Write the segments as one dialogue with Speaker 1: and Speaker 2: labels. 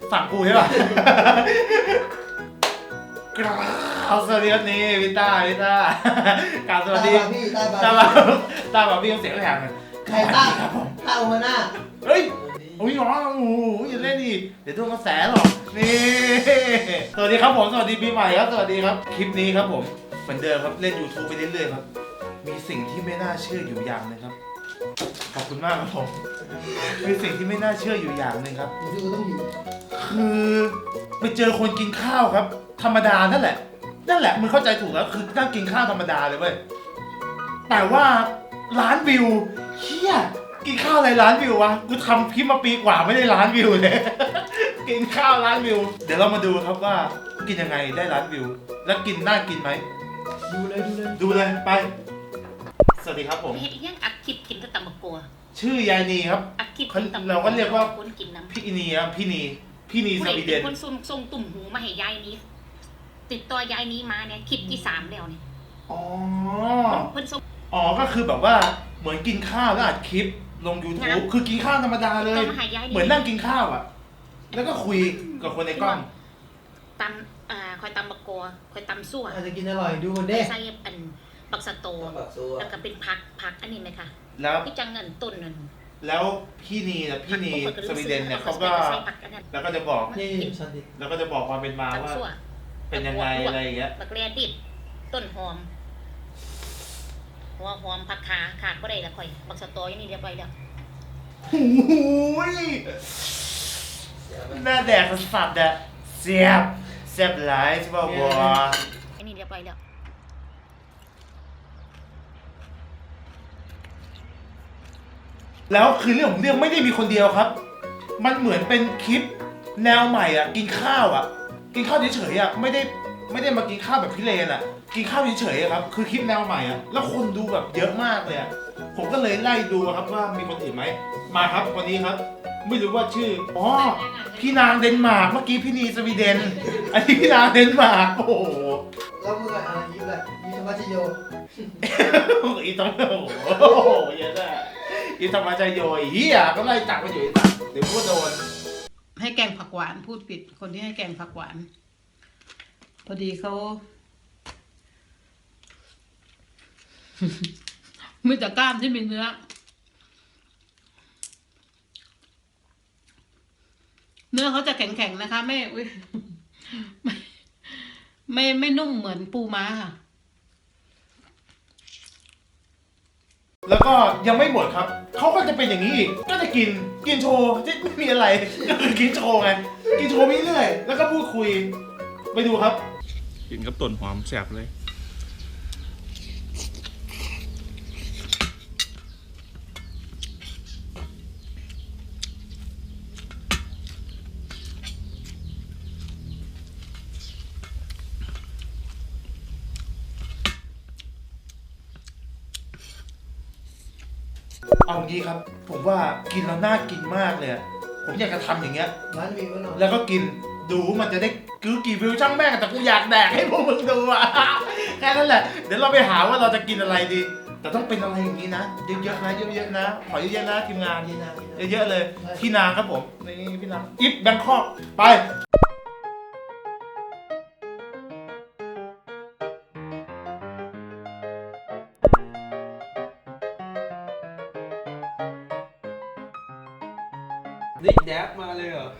Speaker 1: ฝั่งกูใช่ป่ะเอาสวัสดีครับนี่พี่ต้ากราบสวัสดีตาบาพี่เสียงแหบเลย
Speaker 2: ใครต้าครับผมต้าโอมาน่า
Speaker 1: เฮ้ยโอ้ยน้องโอ้โหอย่าเล่นดิเดี๋ยวโดนกระแสหรอกนี่สวัสดีครับผมสวัสดีปีใหม่ครับสวัสดีครับคลิปนี้ครับผมเหมือนเดิมครับเล่น YouTube ไปเรื่อยๆครับมีสิ่งที่ไม่น่าเชื่ออยู่อย่างนึงครับขอบคุณมากครับผมมีสิ่งที่ไม่น่าเชื่ออยู่อย่างนึงครับ
Speaker 2: ดูต้องอยู่
Speaker 1: คือไปเจอคนกินข้าวครับธรรมดานั่นแหละมึงเข้าใจถูกแล้วคือนั่งกินข้าวธรรมดาเลยเว้ยแต่ว่าล้านวิวเฮียกินข้าวอะไรล้านวิววะกูทำคลิปมาปีกว่าไม่ได้ล้านวิวเลย กินข้าวล้านวิวเดี๋ยวเรามาดูครับว่ากินยังไงได้ล้านวิวแล้วกินน่ากินไหมดูเลยไปสวัสดีครับผม
Speaker 3: เฮ็ดยังอัดคลิปกินกับตำบักกัว
Speaker 1: ชื่อยายนีครับ
Speaker 3: อัดคลิปกินตำบักกัว
Speaker 1: เราก็เรียกว่า
Speaker 3: คนกินน้ำ
Speaker 1: พี่นีครับพี่นีสวีเดน
Speaker 3: คนส่งตุ่มหูมาให้ยายนี้ติดต่อยายนี้มาเนี่ยคลิปที่3แล้วเนี่ย
Speaker 1: อ๋อ
Speaker 3: เพิ่นส่ง
Speaker 1: อ๋อก็คือแบบว่าเหมือนกินข้าวแล้วอัดคลิปลง YouTube คือกินข้าวธรรมดาเลยเหมือนนั่งกินข้าวอ่ะแล้วก็คุยกับคนในกล้อง
Speaker 3: ตำคอยตำบักกัวคอยตำซั่ว
Speaker 2: อาจจะกินอร่อยดูคนเด้
Speaker 3: ใส่อันบักสะโตแล้วก็เป็นผักอันนี้ไหมคะ
Speaker 1: แล้ว
Speaker 3: พี่จังเงินต้นนั่น
Speaker 1: แล้วพี่นีสวีเดนเนี่ยเขาก็แล้วก็จะบอกแล้วก็จะบอกความเป็นมาว่าเป็นยังไงอะไรอย่างเงี้ย
Speaker 3: บักแรดิบต้นหอมหัวหอมผักขาดก็ได้ละค่อยบักสะโตอย่างนี้เรียบร้อยแล้ว
Speaker 1: โอ้ยหน้าแดกสัตว์อะเสียบหลายใช่ป่าวบัว
Speaker 3: อันนี้เรียบร้อยแล้ว
Speaker 1: แล้วคือเรื่องของเรื่องไม่ได้มีคนเดียวครับมันเหมือนเป็นคลิปแนวใหม่อ่ะกินข้าวเฉยๆอ่ะไม่ได้มากินข้าวแบบพิเรนอ่ะกินข้าวเฉยๆครับคือคลิปแนวใหม่อ่ะแล้วคนดูแบบเยอะมากเลยอ่ะผมก็เลยไล่ดูครับว่ามีคนอื่นไหมมาครับคนนี้ครับไม่รู้ว่าชื่ออ๋อพี่นางเดนมาร์กเมื่อกี้พี่นีสวีเดนอันนี้พี่นางเดนมาร์กโอ้โห
Speaker 2: แล้วมึงอะไรยิ้มเลยยิ้มธรรมชโย
Speaker 1: อีต้องโอ้โหเยอะเลยอีธรรมชโยเฮียก็ไล่จับมาอยู่อีกเดี๋ยวก็โดน
Speaker 4: ให้แกงผักหวานพูดผิดคนที่ให้แกงผักหวานพอดีเขามีแต่กล้ามที่มีเนื้อเขาจะแข็งๆนะคะไม่นุ่มเหมือนปูม้าค่ะ
Speaker 1: แล้วก็ยังไม่หมดครับเขาก็จะเป็นอย่างนี้อีกก็จะกินโชว์ไม่มีอะไรก็คือกินโชว์ไงกินโชว์ไปเรื่อยแล้วก็พูดคุยไปดูครับ
Speaker 5: กินกับต้นหอมแซ่บเลย
Speaker 1: เอางี้ครับผมว่ากินแล้วน่ากินมากเลยผมอยากจะทำอย่างเงี้ย
Speaker 2: ร้านวิว
Speaker 1: แล้วก็กินดูมันจะได้กี่วิวช่างแม่งแต่กูอยากแดกให้พวกมึงดูอ่ะแค่นั้นแหละเดี๋ยวเราไปหาว่าเราจะกินอะไรดีแต่ต้องเป็นอะไรอย่างนี้นะเยอะๆนะเยอะๆนะขอเยอะๆนะทีมงานเยอะๆเลยพี่นางครับผมนี่พี่นางอิฟแบงคอกไป
Speaker 6: นี่แดบมาเลยเหรอ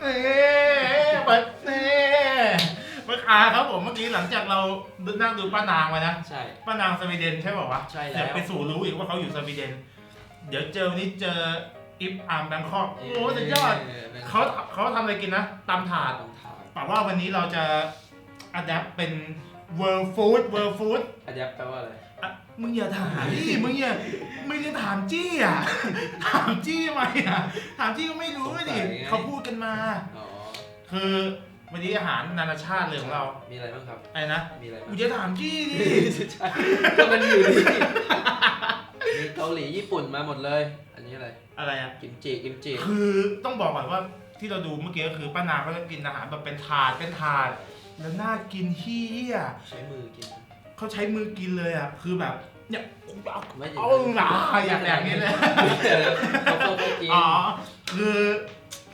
Speaker 1: มาครับผมเมื่อกี้หลังจากเรานั่งดูป้านางมานะ
Speaker 6: ใช่
Speaker 1: ป้านางสวีเดนใช่ป่าววะ
Speaker 6: ใช่แล้ว
Speaker 1: เดี๋ยวไปสู่รู้อีกว่าเขาอยู่สวีเดนเดี๋ยววันนี้เจออิฟอาร์มแบงคอกโอ้สุดยอดเขาทำอะไรกินนะตำถาดแต่ว่าวันนี้เราจะอัดแอปเป็น world food
Speaker 6: อัดแอปแปลว่าอะไร
Speaker 1: มึงอย่าถามดิมึงจะถามจี้อ่ะถามจี้ทำไมอ่ะถามจี้ก็ไม่รู้ดิเขาพูดกันมาคือวันนี้อาหารนานาชาติเลยของเรา
Speaker 6: มีอะไรบ้างครับ
Speaker 1: อะไรนะ
Speaker 6: มีอะไร
Speaker 1: กูจะถามจี้ดิ
Speaker 6: ใช่ก็มันอยู่ดิมีเกาหลีญี่ปุ่นมาหมดเลยอันนี้อะไร
Speaker 1: อ่ะ
Speaker 6: กิมจิ
Speaker 1: คือต้องบอกก่อนว่าที่เราดูเมื่อกี้ก็คือป้านางเขาจะกินอาหารแบบเป็นถาดแล้วน่ากินเฮี้ย
Speaker 6: ใช้มือกิน
Speaker 1: เขาใช้มือกินเลยอ่ะคือแบบเนี่ยเอาหนาอยากแดกนี้เลย
Speaker 6: เขากิน
Speaker 1: อ๋อคือ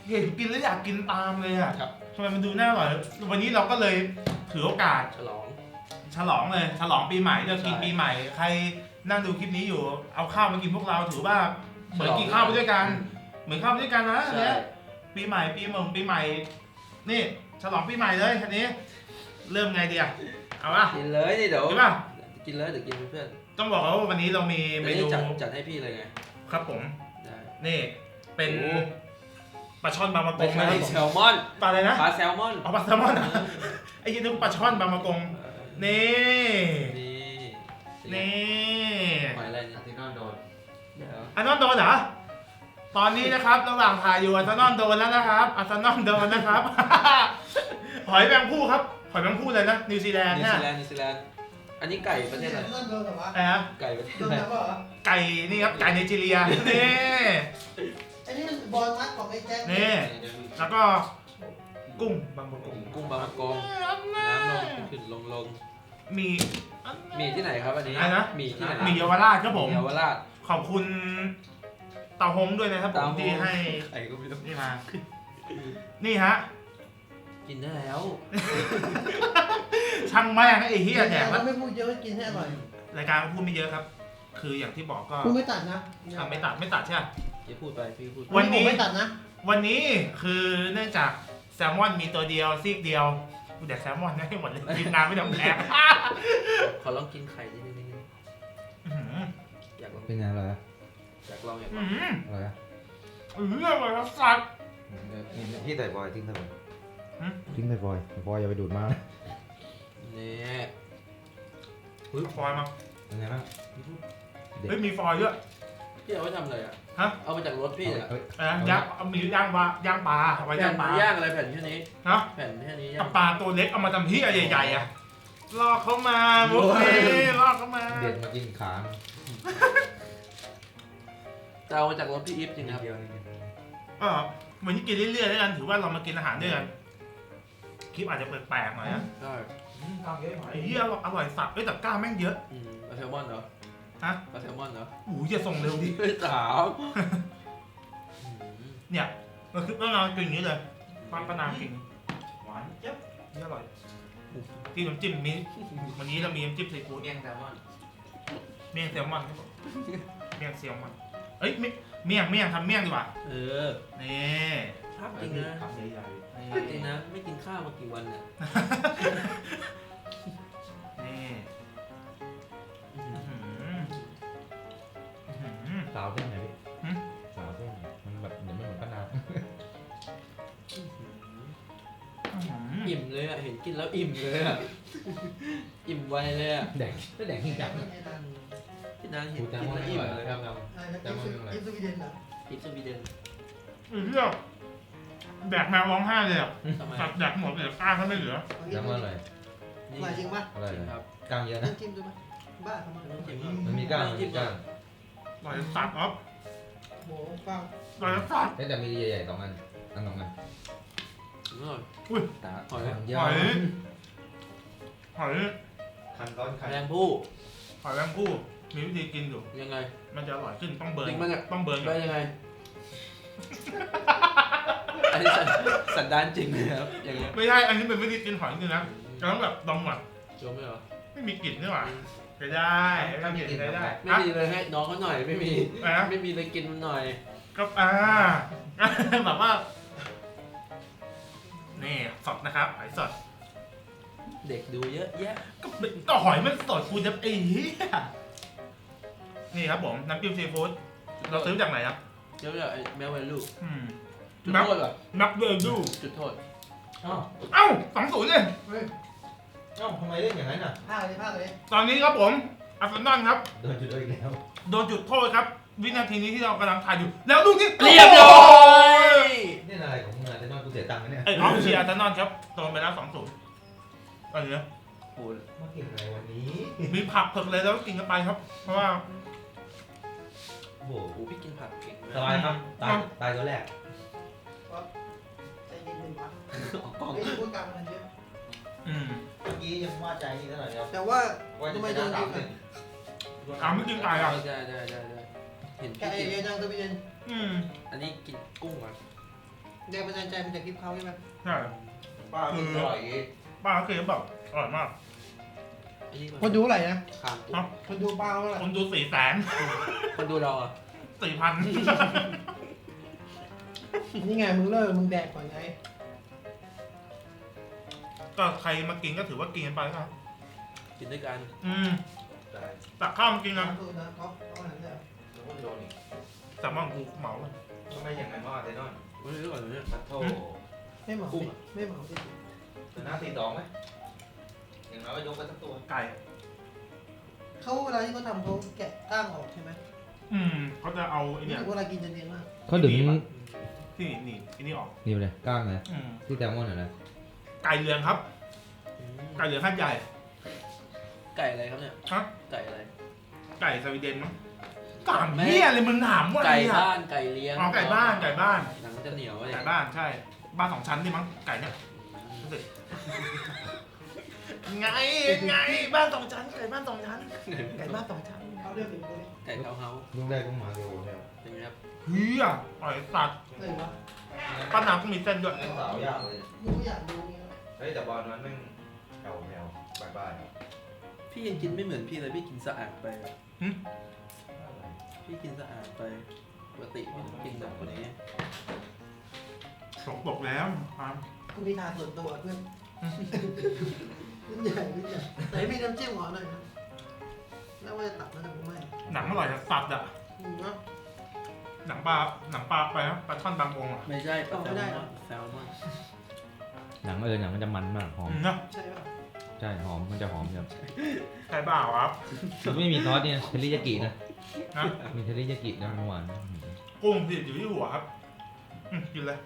Speaker 1: เห็นกินแล้วอยากกินตามเลยอ่ะ
Speaker 6: ครับ
Speaker 1: ทำไมมันดูน่าอร่อยวันนี้เราก็เลยถือโอกาส
Speaker 6: ฉลอง
Speaker 1: ฉลองเลยฉลองปีใหม่เรากิน
Speaker 6: ใช่
Speaker 1: ปีใหม่ใครนั่งดูคลิปนี้อยู่เอาข้าวมากินพวกเราถือว่าเหมือนกินข้าวไปด้วยกัน เหมือนข้าวไปด้วยกันนะอัน
Speaker 6: ใช่
Speaker 1: เนี้ยปีใหม่ปีใหม่นี่ฉลองปีใหม่เลยอันนี้ เริ่มไงดีอะเอาป่ะ
Speaker 6: กินเลยนี่เดี๋ยว
Speaker 1: กินป่ะ
Speaker 6: กินเลยเดี๋ยวกินเป็นเพื่อน
Speaker 1: ต้องบอกว่าวันนี้เรามี
Speaker 6: เม
Speaker 1: เม
Speaker 6: นู
Speaker 1: นู
Speaker 6: จัดให้พี่เลยไง
Speaker 1: ครับผม
Speaker 6: ได้
Speaker 1: นี่เป็น
Speaker 6: โอ้
Speaker 1: ปลาช่อนบางมะก
Speaker 6: ไม่
Speaker 1: ง
Speaker 6: ใช่
Speaker 1: นะครับผ
Speaker 6: แซ
Speaker 1: ม
Speaker 6: ลมอน
Speaker 1: ปลาอะไรนะ
Speaker 6: ปลาแซลมอน
Speaker 1: เอาปลาแซลมอนอะไอ้ยี่นึกปลาช่อนบางมะกงนี่
Speaker 6: นี่
Speaker 1: นี่
Speaker 6: หอยอะไรเนี่ย
Speaker 2: ที่นอนโดน
Speaker 6: เดี๋ยว
Speaker 1: อาร์เซนอลโดนเหรอ ตอนนี้นะครับระหว่างถ่ายอยู่อาร์เซนอลโดนแล้วนะครับอาร์เซนอลโดนนะครับ หอยแมงผู้ครับ หอยแมงผู้เลยนะ นิวซีแลนด์
Speaker 6: นิว
Speaker 1: เนี่ย
Speaker 6: ซีแลนด์นิวซีแลนด์อันนี้ไก่ประเทศอะไร
Speaker 2: นอนโดนเหรอวะ
Speaker 1: อะไรนะ
Speaker 6: ไก่ประเทศ
Speaker 2: โดน
Speaker 6: อะไร
Speaker 2: แล้วเหรอ
Speaker 1: ไก่นี่ครับ ไก่ไนจีเรีย นี่
Speaker 2: อันนี้มันบอลมัดของไอ้แจ็ค
Speaker 1: นี่ แล้วก็กุ้งบางประกง
Speaker 6: กุ้งบางมะกงน้ำลงขึ้นลง
Speaker 1: มี
Speaker 6: มีที่ไหนครับอันนี้
Speaker 1: อะไรนะ
Speaker 6: มีที่ไหน
Speaker 1: มีเยาวราชครับผม
Speaker 6: เยาวราช
Speaker 1: ขอบคุณเตาหงด้วยนะครับผมที่ให้
Speaker 6: ไข่ก็ไม่รู้
Speaker 1: นี่มา นี่ฮะ
Speaker 6: กินได้แล้ว
Speaker 1: ช่างแม่งไอ้เฮียแดก
Speaker 2: มั
Speaker 1: แล้ว
Speaker 2: นไม่พูดเยอะกินให้อร่อย
Speaker 1: รายการพูดไม่เยอะครับ คืออย่างที่บอกก็
Speaker 2: คุณไม่ตัดนะ
Speaker 1: ไม่ตัดใช่ไหม
Speaker 6: อย่าพูดไปพี่พูด
Speaker 1: วันนี้
Speaker 2: ผมไม่ตัดนะ
Speaker 1: วันนี้คือเนื่องจากแซลมอนมีตัวเดียวซีกเดียวกูแดกแซลมอนให้หมดเลยทีมงานไม่ต้องแดก
Speaker 6: ขอลองกินไข่นิดนึง
Speaker 1: อื้อหือ
Speaker 6: อยากลอง
Speaker 7: เป็นไงอร่อยอะ
Speaker 6: อยากลองอยากล
Speaker 1: อื้
Speaker 6: อ
Speaker 1: อง หือ
Speaker 7: อร่อยอะ
Speaker 1: เรื่องอะไรครับสัตว์
Speaker 7: นี่พี่ใส่บอยทิ้งใส่บอย
Speaker 1: หืม
Speaker 7: ทิ้งใส่บอยบอยอย่าไปดูดมากนะ
Speaker 6: นี่
Speaker 1: ฟอยล์มา
Speaker 7: เป็นไงบ้าง
Speaker 1: เฮ้ยมีฟอยล์ด้วย
Speaker 6: พี่เอาไว้ทำอะไรอ่ะ
Speaker 1: ฮะ
Speaker 6: เอามาจากรถพี่อ่ะ
Speaker 7: เอ้ย
Speaker 1: ย่างเอามีย่างปลาย่างปลาเอาไว้ย่างปลา
Speaker 6: ย่างอะไรแผ่นแค่นี้
Speaker 1: ฮะ
Speaker 6: แผ่นแค่นี้ย่า
Speaker 1: กับ
Speaker 6: ง
Speaker 1: ปลาตัวเล็กเอามาทำที่ใหญ่ๆอ่ะลอกเขามาบุฟเฟ่ลอกเขามา
Speaker 7: เด็ดมากินขา
Speaker 6: จะเอามาจากรถพี่อีฟจริงครับ
Speaker 7: เดียวนิดเดียว
Speaker 1: ก็เหมือนที่กินเรื่อยๆแล้วกันถือว่าเรามากินอาหารด้วยกันคลิปอาจจะแปลกๆหน่อยนะ
Speaker 6: ใช่
Speaker 7: ทำเยอะหน่อย
Speaker 1: ไอ้เหี้ยอร่อยสัตว์เอ้ยแต่กล้างแม่งเยอะ
Speaker 6: ปลาแซลมอนเหรอ
Speaker 1: ฮะ
Speaker 6: ปลาแซลมอนเหรอ
Speaker 1: โอ้ยอย่าส่งเร็วดิ
Speaker 6: ไม่ถาม
Speaker 1: เนี่ยมันคือต้องเอากินอย่างนี้เลยป้านางกินหวานเจี๊ยบนี่อร่อยที่น้ำจิ้มมีวันนี้เรามีน้ำจิ้มซีฟู้ด
Speaker 6: เมี่ยงแซลมอน
Speaker 1: เมี่ยงแซลมอนครับผมเมี่ยงแซลมอนเอ้ยเมี่ยงทำเมี่ยงดีกว่า
Speaker 6: เออ
Speaker 1: นี่
Speaker 6: ภาพจริงนะ
Speaker 7: ทำใหญ่
Speaker 6: ภาพจริงนะ ไม่กินข้าวมากี่วันเนี่ย
Speaker 1: นี่
Speaker 6: อื้อหือ
Speaker 7: ๆสาวเส้นไหนพี่
Speaker 1: หืม
Speaker 7: สาวเส้นมันแบบเหมือนไม่เหมือนป้านาว
Speaker 6: อิ่มเลยอ่ะ เห็นกินแล้วอิ่มเลยอ่ะ อิ่มไวเลยอ่ะ
Speaker 7: แดงไม่แดงจริงจัง
Speaker 6: พี่นางเห็น
Speaker 7: กู
Speaker 6: กิน
Speaker 7: จำว่า
Speaker 6: แล้ว
Speaker 7: ไม่
Speaker 6: อิ่
Speaker 7: ไห
Speaker 6: ม
Speaker 7: ว
Speaker 6: เลย
Speaker 7: ค
Speaker 6: ค
Speaker 7: รั
Speaker 6: รั
Speaker 7: บบ
Speaker 2: อิสวีเดนเหรอ
Speaker 6: อิฟสวีเดน
Speaker 1: เรื่องแดกแมวร้องไห้เลยอ่ะ
Speaker 6: ทำไม
Speaker 1: สัตว์แดกหมดเลยกล้างก็ไม่เหลือ
Speaker 7: จำว่าอร่อย
Speaker 6: นี่
Speaker 2: อร่อยจริงปะ
Speaker 7: อร่อย
Speaker 6: ครับ
Speaker 7: กล้างเยอะ
Speaker 2: ต้
Speaker 7: นะ
Speaker 2: องจิ้มดูไหมบ้าทำไม
Speaker 6: ต้องจิ้ม
Speaker 7: มันมีกล้างมันมีกล้าง
Speaker 1: อร่อยสัตว์ครับ
Speaker 2: โหกล้าง
Speaker 1: อร่อยสัตว์
Speaker 7: แต่มีใหญ่ๆสองอันอันสองอัน
Speaker 6: อร่อย
Speaker 1: อุ้ย
Speaker 7: ตา
Speaker 6: หอย
Speaker 7: เยอะ
Speaker 1: หอยหอย
Speaker 7: คันก้อนคัน
Speaker 6: แมงผู้
Speaker 1: หอยแมงผู้มีวิธีกินอยู่
Speaker 6: ยังไง
Speaker 1: มันจะอร่อยขึ้นต้องเบิร์น
Speaker 6: จริงปะเนี่ย
Speaker 1: ต้องเบิร์น
Speaker 6: ไปยังไง อันนี้สันดานจริงเลยครับอย่างเงี้ย
Speaker 1: ไม่ใช่อันนี้เป็นวิธีกินหอยจริงนะจะต้องแบบดองแบบ
Speaker 6: จมไหมเหรอ
Speaker 1: ไม่มีกลิ่นนี่หว่าก็ได้ไม่มีกลิ่นได้
Speaker 6: ไม่มีเลยให้น้องเขาหน่อยไม่มี
Speaker 1: อ่ะ
Speaker 6: ไม่มีเลยกินมันหน่อย
Speaker 1: ก็แบบว่านี่สดนะครับหอยสด
Speaker 6: เด็กดูเยอะแยะ
Speaker 1: ก็หอยมันสดคุณจะไอ้เหี้ยนี่ครับผมน้ำจิ้มซีฟู้ดเราซื้อจากไหนครับ
Speaker 6: เดี๋ยวไอ้แมวเวลู จุด
Speaker 1: นับ
Speaker 6: โทษเหรอ
Speaker 1: นับเวลดู
Speaker 6: จุดโทษ
Speaker 7: อ้าว
Speaker 1: เอ้า2-0เลย
Speaker 7: เอ้าทำไมเล่นอย่างนั้นอ่ะ
Speaker 2: ภาคเลยภาคเลย
Speaker 1: ตอนนี้ครับผมอาร์เซนอลครับ
Speaker 7: โดนจุดโดนอีกแล้ว
Speaker 1: โดนจุดโทษครับ วินาทีนี้ที่เรากำลังถ่ายอยู่ แล้วลูกนี้
Speaker 6: เรียบร้อย
Speaker 7: เล่นอะไรของมึงอะแต่นอนกูเสียตังค์นะเนี่ย
Speaker 1: ไอ้ออฟเชียร์อาร์เซนอลครับโดนไปแล้ว2-0อะไรเนี่ย
Speaker 6: โห
Speaker 7: มากินอะไรวันนี้
Speaker 1: มีผักเผือกเลยแล้วกินกันไปครับ เพราะว่า
Speaker 7: โอ้โห
Speaker 6: โหพี่กินผักเก่ง
Speaker 7: ส
Speaker 6: มาก
Speaker 7: บายครับตายตัวแรก
Speaker 2: ใจเย็นๆปะ
Speaker 6: ออกกล้อง
Speaker 2: ไม่ได้พูดกลางมันเยอะ
Speaker 1: อืม
Speaker 7: เมื่อกี้ยังว่าใจนี่เท่าไหร่แล้ว
Speaker 2: แต่ว่า
Speaker 7: ว่าจะ
Speaker 2: ทำไม
Speaker 7: ไป
Speaker 2: โด
Speaker 7: ได้
Speaker 2: น
Speaker 7: สา
Speaker 2: ยิ
Speaker 7: ม
Speaker 2: ง
Speaker 7: หนึ่ง
Speaker 1: ถามไม่กินไก่อ่ะ
Speaker 6: ได้เห็น
Speaker 2: แก
Speaker 6: พี่
Speaker 2: เอ
Speaker 6: กิน
Speaker 2: เยจังสวีเดน
Speaker 1: อืม
Speaker 6: อันนี้กินกุ้งก่อน
Speaker 2: แรงบันดาลใจมาจากคลิปเขาใช่ไหม
Speaker 1: ใช่
Speaker 7: ป้ากินอร่อยอีก
Speaker 1: ป้าเขาเคยแบบอร่อยมาก
Speaker 6: อันนี้
Speaker 2: คนดูเท่าไหร่นะ
Speaker 6: ข้าม
Speaker 1: ครับ
Speaker 2: คนดูป้าเท่าไหร่
Speaker 1: คนดู400,000
Speaker 6: คนดูเราอ่ะ
Speaker 1: 4,000
Speaker 2: นี่ไงมึงเลิกมึงแดกก่อนไง
Speaker 1: ก็ใครมากินก็ถือว่ากินกันไปครับ
Speaker 6: กินด้วยกัน
Speaker 7: ได้
Speaker 1: ตักข้าวมากินกัน
Speaker 2: ดูนะก๊อฟเอาอะไรเนี่ย
Speaker 7: แล้วก็โดนอีก
Speaker 1: แต่ว่ากูเหมาเลย
Speaker 7: ทำไมอย่างนั้นว่าแต่นอน
Speaker 6: ไม่รู้ก่อนเนี่ย
Speaker 7: ปัดโท
Speaker 2: ไม่เหมา
Speaker 6: กุ้ง
Speaker 2: ดิ
Speaker 6: อะ
Speaker 2: ไม่เหมาดิ
Speaker 7: ตัวหน้าตีสองไหมอย่างน้อยก็ยกไปสักตัว
Speaker 1: ไก่
Speaker 2: เขาเวลาที่เขาทำเขาแกะก้างออกใช่ไหม
Speaker 1: เขาจะเอาไอ้เนี่ย
Speaker 2: เวลากินจะเนียนมาก
Speaker 8: เขาดึง
Speaker 1: ที่นี่ไอ้นี่ออก
Speaker 8: นี่เลยก้างนะ
Speaker 1: อืม
Speaker 8: ที่แซลมอนอ่ะนะ
Speaker 1: ไก่เหลืองครับ ไก่เหลืองข้างใหญ่
Speaker 6: ไก่อะไรครับเนี่ย
Speaker 1: ฮะ
Speaker 6: ไก่อะไร
Speaker 1: ไก่สวีเดนมั้งถามเหี้ยเลยมึงถามว่าอะไร
Speaker 6: ไก่
Speaker 1: อ่ะ
Speaker 6: บ้านไก่เลี้ยง
Speaker 1: อ๋อไก่บ้านไก่บ้าน
Speaker 6: หนังจะเหนียวเลย
Speaker 1: ไก่บ้านใช่ บ้าน2 ชั้นดิมั้งไก่เนี่ยรู้สึกไงไงบ้าน2 ชั้นไก่บ้าน2 ชั้นไก่บ้าน2 ชั้น
Speaker 2: เขาเรียกเป็นตัวนี้
Speaker 6: ไก่เท้าเฮา
Speaker 8: ลูกได้ก็มาเร็วแล้ว
Speaker 6: เป็นไงครับ
Speaker 1: เฮียปล่อยสัตว์
Speaker 2: เลยวะ
Speaker 1: ป้าน้ำก็มีเส้นด้วย
Speaker 7: เล่นสาวยากเลย
Speaker 2: กูอยากดูนี่
Speaker 7: เฮ้ยแต่บอลนั้นแม่งแถวแถวบาย
Speaker 6: พี่ยังกินไม่เหมือนพี่เลยพี่กินสะอาดไปอะ
Speaker 7: ๆ
Speaker 6: พี่กินสะอาดไปปกติพี่ต้องกินแบบคนนี้
Speaker 1: สกปรกแล้วครับ
Speaker 2: กูมีทางส่วนตัวเพื่อนรุ่นใหญ่รุ่นใหญ่แต่มีน้ำจิ้มหอหน่อยนะแล้วว่าจะตัดมันแต่กูไม่
Speaker 1: หนังอร่อยสัตว์อ่ะ
Speaker 2: เนาะ
Speaker 1: หนังปลาไปครับปลาช่อนบางองค์อ่ะ
Speaker 6: ไม่ใช่
Speaker 2: เอาไม่ได้
Speaker 6: แซลมอน
Speaker 8: หนังหนังมันจะมันมากหอม
Speaker 1: เนาะ
Speaker 2: ใช่ป่ะ
Speaker 8: ใช่หอมมันจะหอมแบบ
Speaker 1: ใช่เปล่าครับ
Speaker 8: มันไม่มีซอสเนี่ยเทริยากินะ
Speaker 1: นะ
Speaker 8: มีเทริยากินะมันหวาน
Speaker 1: กุ้งติดอยู่ที่หัวครับกินเลย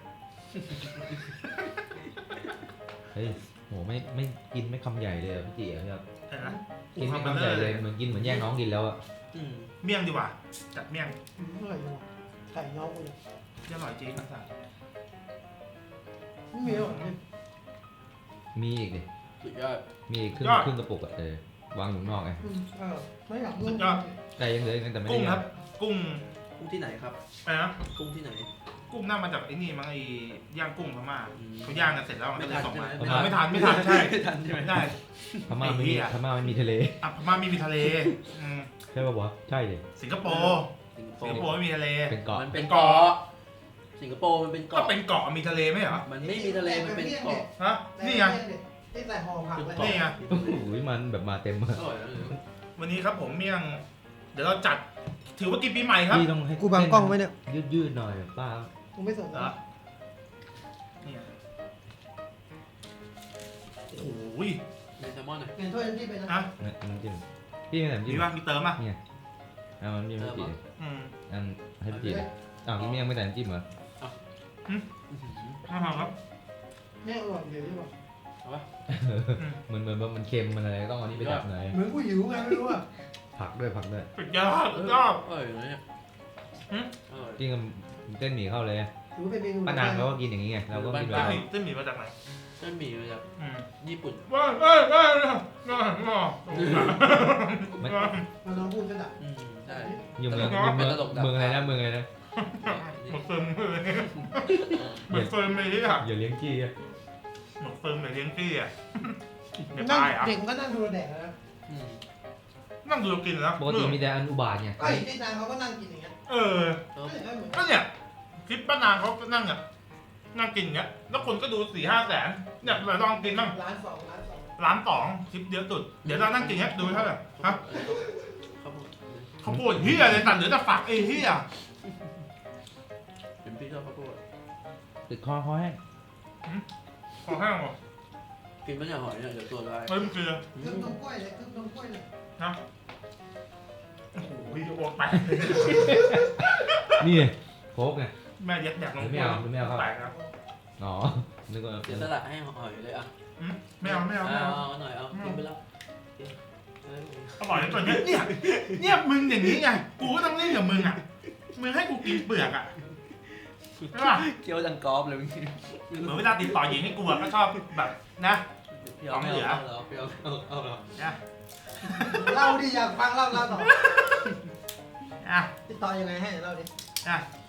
Speaker 8: เฮ้ยโหไม่กินไม่คำใหญ่เลยอะพี่จีอะครับ
Speaker 1: เห็นไหม
Speaker 8: กินไม่คำใหญ่เลยเหมือนกินเหมือนแย่งน้องกินแล้วอะ
Speaker 6: อืม
Speaker 1: เมี่ยงดีกว่าจัดเมี่ยง
Speaker 2: อร่อยจังไก่น้องกูเลย
Speaker 1: ที่อร่อยจริงนะสัตว์
Speaker 2: ไม่มีหรอกเนี่ย
Speaker 8: มีอีกดิ
Speaker 6: สุดยอด
Speaker 8: มีอีกครึ่งกระปุกอะวางอยู่นอกไง
Speaker 2: ไม่อยากรู้
Speaker 8: ไก่ยังเหลือกันแต่ไม่ได้
Speaker 1: กุ้ง
Speaker 8: ย่าง
Speaker 1: ครับ กุ้ง
Speaker 6: กุ้งที่ไหนครับ
Speaker 1: อะไรนะ
Speaker 6: กุ้งที่ไหน
Speaker 1: กุ้งน่ามาจากไอ้นี่มั้งไอ้ย่างกุ้งพม่า
Speaker 6: อืม
Speaker 1: เขาย่างกันเสร็จแล้วมัน
Speaker 6: ไม่
Speaker 1: ก็เล
Speaker 6: ทั
Speaker 1: ย
Speaker 6: น
Speaker 1: ส่งมา
Speaker 6: ใช่ไหม
Speaker 1: ไม่ทันใช่
Speaker 6: ไม่ทันใช่ไหม
Speaker 1: ไม่ได้
Speaker 8: พม่าไม่
Speaker 1: ไอ้เหี้
Speaker 8: มี
Speaker 1: ย
Speaker 8: พม่าไม่มีทะเล
Speaker 1: อ่ะพม่าไม่มีทะเลอืม
Speaker 8: ใช่ป่ะวะใช่เลย
Speaker 1: สิงคโปร์
Speaker 6: สิงคโป
Speaker 1: สิงค
Speaker 6: ร์
Speaker 1: โปร์ไม่มีทะเล
Speaker 8: เป็นเกาะ
Speaker 6: มันเป็น
Speaker 1: เกาะ
Speaker 6: เกาะสิงคโปร์มันเป็น
Speaker 1: ก็
Speaker 6: เกาะ
Speaker 1: เป็นเกาะมีทะเลไหมเหรอ
Speaker 6: มันไม่มีทะเลมันเป็นเกาะ
Speaker 1: ฮะนี่ไง
Speaker 2: นี่ใส่ห่อผักเลย
Speaker 1: นี่ไง
Speaker 8: โอ้โหมันแบบมาเต็มมาก
Speaker 6: อร่อยนะหรือ
Speaker 1: วันนี้ครับผมเมี่ยง เดี๋ยวเราจัดถือว่ากินปีใหม่ครับ
Speaker 8: พี่ต้องให้
Speaker 2: กูบังกล้องไว้เนี่ย
Speaker 8: ยืดๆหน่อยป้า
Speaker 2: กูไม่สน
Speaker 1: เหรอนี่ไงโอ้โห
Speaker 6: ในแซลมอนหน่อย
Speaker 2: เปลี่ยนถ้วยน้ำจิ้มไปนะ
Speaker 1: ฮะ
Speaker 8: น้ำจิ้มพี่ไม่ใส่น้ำ
Speaker 1: มี
Speaker 8: จิ้ม
Speaker 1: ว่ามีเติมอ่ะ
Speaker 8: เอามันมีพี่จี
Speaker 1: อืม
Speaker 8: อันให้พี่จีอ้าวพี่ยังไม่ใส่น้ำจิ้มเหรอ
Speaker 6: อื้อหือ
Speaker 1: น่าทานครับ
Speaker 2: เนี่ยอร่อยเดี๋ยวดีกว่า
Speaker 6: เอาปะ
Speaker 8: เหมือนมันเค็มมันอะไรต้องเอานี่ไปดับหน่อย
Speaker 2: เหมือนกูหิวไงไม่รู้อ่ะ
Speaker 8: ผักด้วย
Speaker 1: สุดยอดสุดยอด
Speaker 6: อร่อยนะเนี่ย
Speaker 1: หืม
Speaker 6: อร่อย
Speaker 8: กินกับเส้นหมี่เข้าเลย
Speaker 2: ถือว่าเป็นเมนู
Speaker 8: ป้านางเขาก็กินอย่างนี้ไงเราก็กินแบ
Speaker 1: เส้น
Speaker 8: บ
Speaker 1: หมี่เส้นหมี่มาจากไหน
Speaker 6: เส้นหมี่มาจาก
Speaker 1: อืม
Speaker 6: ญี่ปุ่น
Speaker 1: ว้าว
Speaker 8: ไม่
Speaker 2: มันน้องพูดก็ดับ
Speaker 6: อืมใช่
Speaker 8: อยู่เมืองอะไรนะเมืองอะไรนะ
Speaker 1: หมดเฟิร์มเลยหมดเฟิร์มเลยที่อ่ะ
Speaker 8: อย่าเลี้ยงกี้อะ
Speaker 1: หมดเฟิร์มเลยเลี้ยงกี้อ่ะเดี๋ยว
Speaker 2: นั่ง
Speaker 1: ตายอ่ะ
Speaker 2: เด็กมันก็นั่งดูแดกนะ
Speaker 6: อืม
Speaker 1: นั่งดูกินแล้ว
Speaker 8: ปกติมีแต่อนุบาลไง
Speaker 2: ไอ้ที่นางเขาก็นั่งกินอย่างเงี้ย
Speaker 1: เออ
Speaker 6: เออ
Speaker 2: ก็เหมือน
Speaker 1: ก็เนี่ยคลิปป้านางเขาก็นั่งอ่ะนั่งกินอย่างเงี้ยแล้วคนก็ดู4-5 แสนเนี่ยเราลองกินบ้าง
Speaker 2: ร้านสอง
Speaker 1: 1,200,000คลิปเยอะสุดเดี๋ยวเรานั่งกินเงี้ยดูเท่าไหร่ฮะ
Speaker 6: เขาพูด
Speaker 1: เขาพูดเฮียเลยตัดเหลือแต่ฝักไอ้เฮีย
Speaker 6: เป็นพี่ชอบเขาพูด
Speaker 8: ติดคอแห้ง
Speaker 1: ขอแห้งหมด
Speaker 6: กินไม่ใช่หอยเนี่ยเดี๋ยวตัวลาย
Speaker 1: เฮ้ยมันคือ
Speaker 2: เครื่องนมกล้วยเลยเครื่องนมกล้วยเลย
Speaker 1: นะโอ้โหวิดีโอไป
Speaker 8: นี่โค้กไง
Speaker 1: แม่ยัดแดกลง
Speaker 8: ไม่เอาไม่เอาครับ
Speaker 1: แตกครับ
Speaker 8: อ๋อนึกว่า
Speaker 6: เสียสละให้หอยเลยอ่ะ
Speaker 1: ไม่เอาไม่เอาไม่เอา
Speaker 6: เอาหน่อยเอากินไปแล้วกินเอ้ย
Speaker 1: อร่อยตัวเนี้ยเนี่ยมึงอย่างนี้ไงกูก็ต้องเล่นกับมึงอ่ะมึงให้กูกินเปลือกอ่ะใช่ป่ะ
Speaker 6: เคี้ยวดังกรอบเลยเมื่อกี้
Speaker 1: เหมือนเวลาติดต่อหญิงให้กูอะก็ชอบแบบนะ
Speaker 6: เพียวไม่เอาเหรอเพียวเอาเหรอ
Speaker 1: นะ
Speaker 2: เล่าดิอยากฟังเล่าต่อ
Speaker 1: อ่ะ
Speaker 2: ติดต่อยังไงให้เล่าดิ
Speaker 1: อ่ะ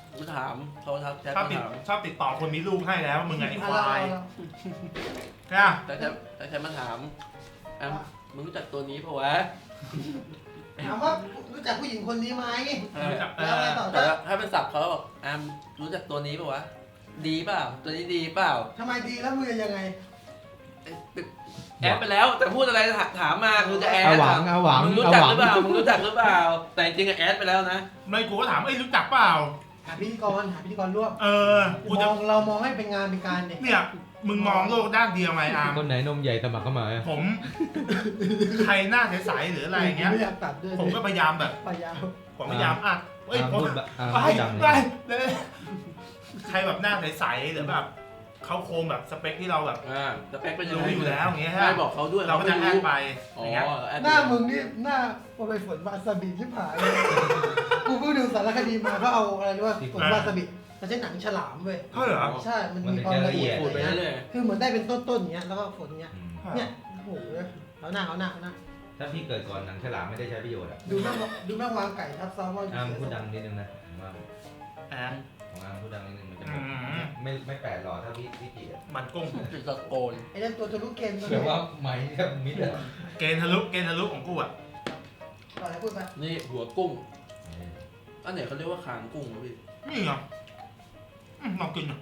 Speaker 6: มาถามเขาทักแชท
Speaker 1: ชอบ
Speaker 6: มา
Speaker 1: ติด
Speaker 6: ถาม
Speaker 1: ชอบติดต่อคนมีลูกให้แล้วมึงไงไอ้ควาย
Speaker 2: เอ
Speaker 1: นะ
Speaker 6: ทักแชทมาถามแอมมึงรู้จักตัวนี้ปะวะ
Speaker 2: ถามว่ารู้จักผู้หญิงคนนี้ไหม
Speaker 1: เอ
Speaker 2: แล้วไง
Speaker 1: อ
Speaker 2: ต่อ
Speaker 6: แต่ถ้าเป็นศัพท์เขาบอกแอมรู้จักตัวนี้ปะวะดีเปล่าตัวนี้ดีเปล่า
Speaker 2: ทำไมดีแล้วมึงจะยังไง
Speaker 6: แอดไปแล้วแต่พูดอะไรถามมาคือจะแอด
Speaker 8: เอาหวังเอาหวัง
Speaker 6: มึงรู้
Speaker 8: เอา
Speaker 6: จัก
Speaker 8: หวัง
Speaker 6: หรือเปล่ามึงรู้จักหรือเปล่า แต่จริงๆอะแอดไปแล้วนะ
Speaker 1: ไม่กูก็ถามเอ้ยรู้จักเปล่า
Speaker 2: หาพิธีกรร่วม
Speaker 1: เออกูจะ
Speaker 2: เรามองให้เป็นงานเป็นการเนี่ย
Speaker 1: เนี่ยมึงมองโลกด้านเดียวไงอาร์ม
Speaker 8: คนไหนนมใหญ่สมัครเข้ามา
Speaker 1: ผม ใครหน้าใสๆหรืออะไรอย่างเงี้ย
Speaker 2: ไม่อยากตัดด้วย
Speaker 1: ผมก็พยายามแบบ
Speaker 2: พยายาม
Speaker 1: ผมพยายามอัดเอ้ย
Speaker 8: อาร์ม
Speaker 1: ผม
Speaker 8: พูดแบบอาร์ม
Speaker 1: ไป
Speaker 8: พูดดัง
Speaker 1: ไป
Speaker 8: เลย
Speaker 1: เลยใครแบบหน้าใสๆหรือแบบเขาโครงแบบสเปคที่เราแบบ
Speaker 6: สเปคเป็นยัง
Speaker 1: รู้
Speaker 6: ไง
Speaker 1: อยู่แล้วอย่างเงี้ย
Speaker 6: ไม่บอกเขาด้วย
Speaker 1: เราก็จะแอ
Speaker 6: ไม่
Speaker 1: ดไปอ
Speaker 6: อ๋อย่าง
Speaker 1: เงี้ย
Speaker 6: แอด
Speaker 2: หน้ามึงนี่หน้าโอไปฝนวาซาบิที่ผ่านเลยกูเพิ่งดูสารคดีมาเขาเอาอะไรรู้ว่าฝนวาซาบิมันใช้หนังฉลามเว้ย
Speaker 1: เท่าเหรอ
Speaker 2: ใช่มันมีความละเอียด
Speaker 6: พูดไปเรื่อย
Speaker 2: คือเหมือนได้เป็นต้นๆอย่างเงี้ยแล้วก็ฝนอย่างเงี้ย
Speaker 8: อืม
Speaker 2: เนี่ยโอ้โหเอาหน้า
Speaker 8: ถ้าพี่เกิดก่อนหนังฉลามไม่ได้ใช้ประโยชน์อ่ะ
Speaker 2: ดูแม่งวางไก่ทับซ้อมว่า
Speaker 8: อาร์มพูดดังนิดนึงนะผมว่า
Speaker 1: อ่ะ
Speaker 8: ของอาร์มพูดดังนิดนึงมันจะ
Speaker 1: อืม
Speaker 8: ไม่แปลกหรอกถ้าพี่จีอ่ะ
Speaker 1: มันกุ้ง
Speaker 6: ๆจุดตะโกน
Speaker 2: ไอ้นั่นตัวทะลุเกมตัว
Speaker 8: แบ
Speaker 2: นี้
Speaker 8: บว่าไม้แทบมิดอ่ะ
Speaker 1: เกณฑ์ทะลุของกูอ่ะ
Speaker 2: ต่อให้พูดไป
Speaker 6: นี่หัวกุ้งอันไหนเขาเรียกว่าคางกุ้งวะพี่
Speaker 1: นี่ไงลองกินหน่อย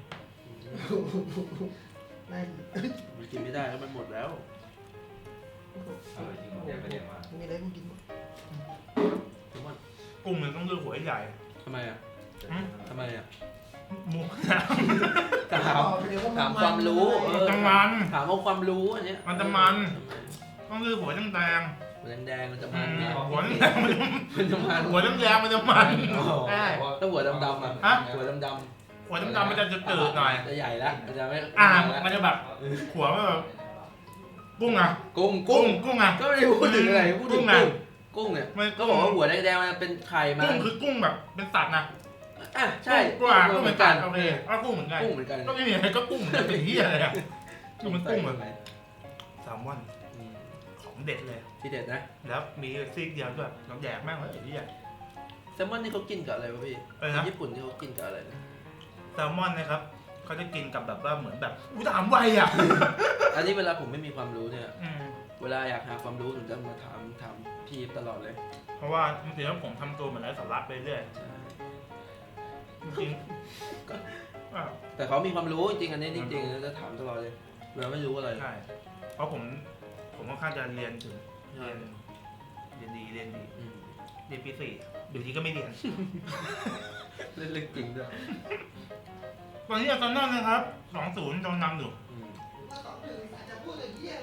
Speaker 2: นั่น
Speaker 6: มันกินไม่ได้แล้วมันหมดแล้ว
Speaker 8: อร่อยจริงผมอยากไปเรียนมา
Speaker 2: มีอะไรกูกินหมด
Speaker 6: ทุกวัน
Speaker 1: กุ้งมันต้องเลือกหัวใหญ่
Speaker 6: ทำไมอ่ะ
Speaker 1: อืม
Speaker 6: ทำไมอ่ะ
Speaker 1: หมู
Speaker 6: ถามถามความรู้เออ
Speaker 1: จังมัน
Speaker 6: ถามเอาความรู้อันเนี้ย
Speaker 1: มันจะมัน ต้องเลือกหัวแดง
Speaker 6: หัวแดงๆมันจะ
Speaker 1: ๆ
Speaker 6: มันนะ
Speaker 1: หัวแดงๆมันจะ
Speaker 6: มันจะมัน
Speaker 1: หัวแดงๆมันจะมันใช่
Speaker 6: ถ้าหัวดำๆอ่ะ
Speaker 1: ฮะ
Speaker 6: หัวดำ
Speaker 1: หัวดำๆมันจะจืดๆหน่อย
Speaker 6: จะใหญ่แล้วมันจะไม่
Speaker 1: มันจะแบบหัวมันแบบกุ้งอ่ะ
Speaker 6: กุ้ง
Speaker 1: กุ้งอ่ะ
Speaker 6: ก็ไม่ได้พูดถึงอะไรพูดถึง
Speaker 1: กุ้งอะ
Speaker 6: กุ้งเนี่ย
Speaker 1: มัน
Speaker 6: ก็บอกว่าหัวแดงๆมันเป็นไข่มา
Speaker 1: กุ้งคือกุ้งแบบเป็นสัตว์นะ
Speaker 6: อ่ะใช่
Speaker 1: กุ้งเหมือนกันโอเคกุ้งเหมือนกัน
Speaker 6: กุ้งเหมือนกัน
Speaker 1: ก็ไม่มีอะไรก็กุ้งเหมือนกันเป็นเหี้ยอะไรอ่ะคือมันกุ้งเหมือน
Speaker 6: ไหม
Speaker 1: แซลมอน
Speaker 6: อืม
Speaker 1: ของเด็ดเลย
Speaker 6: ที่เด็ดนะ
Speaker 1: แล้วมีซีกเดียวด้วยน้ำแดกแม่งเลยไอ้เหี้ย
Speaker 6: แซลมอนนี่เขากินกับอะไรวะพี่
Speaker 1: อะไรนะ
Speaker 6: ญี่ปุ่นที่เขากินกับอะไรนะ
Speaker 1: แซลมอนนะครับเขาจะกินกับแบบว่าเหมือนแบบอุ้ยถามไวอ่ะ
Speaker 6: อันนี้เวลาผมไม่มีความรู้เนี่ย
Speaker 1: อืม
Speaker 6: เวลาอยากหาความรู้ผมจะมาถามพี่ตลอดเลย
Speaker 1: เพราะว่าจริงๆแล้วผมทำตัวเหมือนไร้สาระไปเรื่อย
Speaker 6: ใช่
Speaker 1: จริงๆอ้าว
Speaker 6: แต่เขามีความรู้จริงๆอันนี้จริงๆจะถามตลอดเลยเวลาไม่รู้อะไร
Speaker 1: ใช่เพราะผมค่อนข้างจะเรียนถึง
Speaker 6: ใช่
Speaker 1: เรียนดีเรียน
Speaker 6: อืม
Speaker 1: ปีสี่อยู่ดีก็ไม่เรียน
Speaker 6: เล่นเรื่องจริงด้วย
Speaker 1: ตอนนี้อาร์เซนอลนะครับ 2-0โดนนำอยู่
Speaker 6: อืม
Speaker 2: ว่าสองหนึ่งอาจจะพูดอย่างเงี้ย